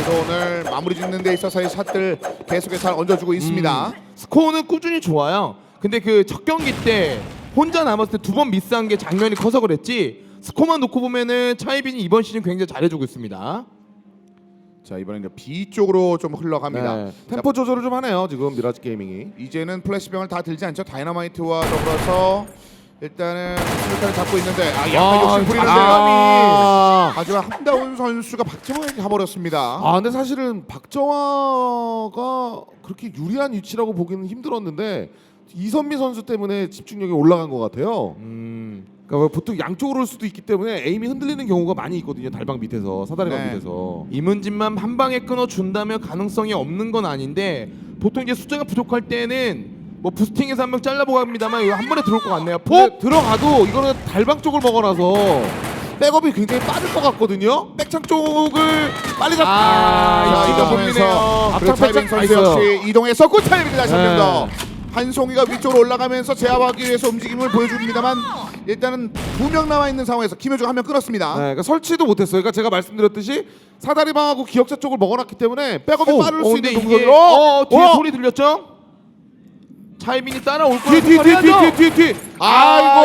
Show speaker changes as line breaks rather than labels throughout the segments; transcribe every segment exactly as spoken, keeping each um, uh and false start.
드론을 마무리 짓는 데 있어서의 샷들 계속해서 잘 얹어주고 있습니다.
음, 스코어는 꾸준히 좋아요. 근데 그 첫 경기 때 혼자 남았을 때 두 번 미스한 게 장면이 커서 그랬지. 스코어만 놓고 보면은 차이빈이 이번 시즌 굉장히 잘해주고 있습니다.
자, 이번엔 B 쪽으로 좀 흘러갑니다.
네, 템포 조절을 좀 하네요 지금 미라지 게이밍이.
이제는 플래시병을 다 들지 않죠. 다이너마이트와 더불어서 일단은 수류탄을 잡고 있는데 아 약간
아,
욕심 부리는데
아,
하지만 한다운 선수가 박정호에게 가버렸습니다.
아 근데 사실은 박정화가 그렇게 유리한 위치라고 보기는 힘들었는데 이선미 선수 때문에 집중력이 올라간 것 같아요.
음,
그러니까 보통 양쪽으로 올 수도 있기 때문에 에임이 흔들리는 경우가 많이 있거든요. 달방 밑에서 사다리방
네.
밑에서.
이문진만 한 방에 끊어 준다면 가능성이 없는 건 아닌데 보통 이제 숫자가 부족할 때는 뭐 부스팅해서 한 명 잘라보고 합니다만 이거 한 번에 들어올 것 같네요.
근데
폭!
들어가도 이거는 달방 쪽을 먹어놔서 백업이 굉장히 빠를 것 같거든요. 백창 쪽을 빨리 잡.
아,
자,
이거
이동하면서
보이네요.
그리고
앞장
차이빈
살짝
선수
있어요.
역시 이동했었고 차이빈이 다시 한 명
네.
더. 한송이가 위쪽으로 올라가면서 제압하기 위해서 움직임을 보여줍니다만 일단은 두 명 남아 있는 상황에서 김효중 한 명 끊었습니다.
네, 그러니까 설치도 못했어요. 그러니까 제가 말씀드렸듯이 사다리방하고 기억자 쪽을 먹어놨기 때문에 백업이 빠를
어,
수
근데
있는
이게
동선으로.
어, 뒤에
어!
소리 들렸죠? 차이빈이 따라올
뒤,
거라고
뒤, 뒤, 뒤,
생각해야죠.
뒤, 뒤, 뒤.
이거는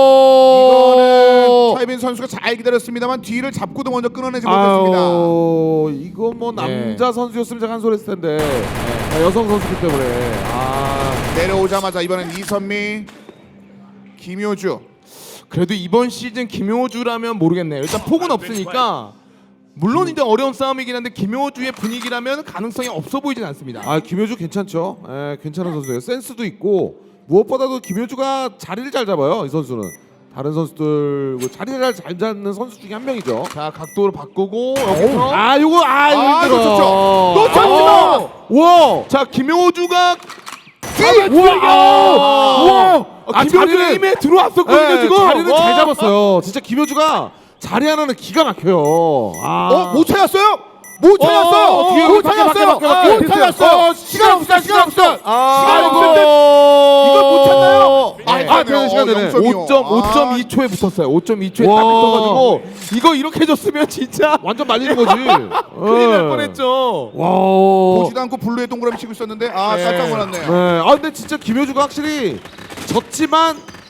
아이고.
차이빈 선수가 잘 기다렸습니다만 뒤를 잡고도 먼저 끊어내지 못했습니다.
아유, 이거 뭐
예.
남자 선수였으면 제가 한 소리 했을 텐데 아, 여성 선수기 때문에. 아,
내려오자마자 이번엔 이선미, 김효주.
그래도 이번 시즌 김효주라면 모르겠네요. 일단 폭은 없으니까 물론 이제 어려운 싸움이긴 한데 김효주의 분위기라면 가능성이 없어 보이진 않습니다.
아 김효주 괜찮죠? 예, 괜찮은 선수예요. 센스도 있고 무엇보다도 김효주가 자리를 잘 잡아요. 이 선수는 다른 선수들 뭐 자리를 잘 잡는 선수 중에 한 명이죠.
자 각도를 바꾸고 여기서
아 요거 아 이거
아,
힘들어.
놓쳤죠.
놓쳤지만!
와.
자 김효주가
우와!
아,
아,
김효주
자리를-
힘에 들어왔었거든요
네,
지금.
자리를
와.
잘 잡았어요. 진짜 김효주가 자리 하나는 기가 막혀요. 아.
어? 못 찾았어요? 못 찾았어요!
어, 어,
뒤에
못
밖에,
찾았어요!
밖에, 밖에,
못
밖에.
찾았어요!
어,
시간 없어! 시간 없어!
아,
시간 없는데 이걸 못 찾나요?
네.
아, 되는 시간 되네.
영점이요.
오 점 오 점
아,
이 초에 붙었어요. 오 점 이 초에 딱
와.
붙어가지고 이거 이렇게 줬으면 진짜
완전 말리는 거지.
큰일 날 뻔했죠.
와.
보지도 않고 블루에 동그라미 치고 있었는데 아
네.
깜짝 놀랐네요.
네. 아 근데 진짜 김효주가 확실히 졌지만